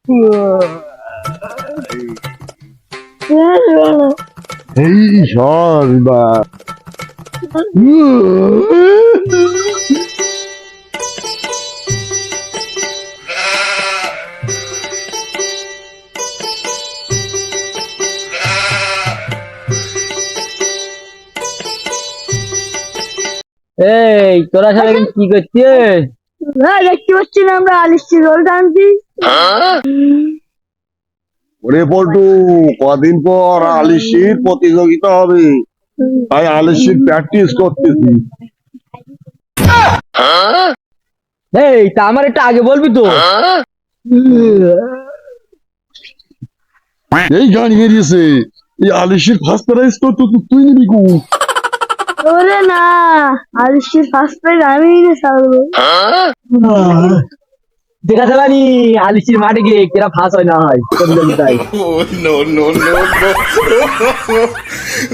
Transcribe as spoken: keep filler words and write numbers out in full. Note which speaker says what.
Speaker 1: এই সর্বা
Speaker 2: এই তোরা সবাই এখন কি করছিস?
Speaker 3: হ্যাঁ, দেখতে পাচ্ছি না আমরা আলিশি রোল টানছি।
Speaker 1: ওরে পল্টু, কদিন পর আলিশির প্রতিযোগিতা হবে, তাই আলিশির প্র্যাকটিস করতেছি।
Speaker 2: এই তা আমার একটু আগে বলবি তো।
Speaker 1: এই গান বেরিয়েছে, এই আলিশির ফার্স্ট প্রাইজ তো তু- তুই নিবি কু?
Speaker 3: ওরে না, আলিশির ফার্স্ট প্রাইজ আমি নিয়ে ছাড়বো।
Speaker 2: দেখাতে পারি আলিশির মাঠে গিয়ে কেরা ফাঁস হয় না হয় প্রতিযোগিতায়।
Speaker 4: Oh, no, no, no, no.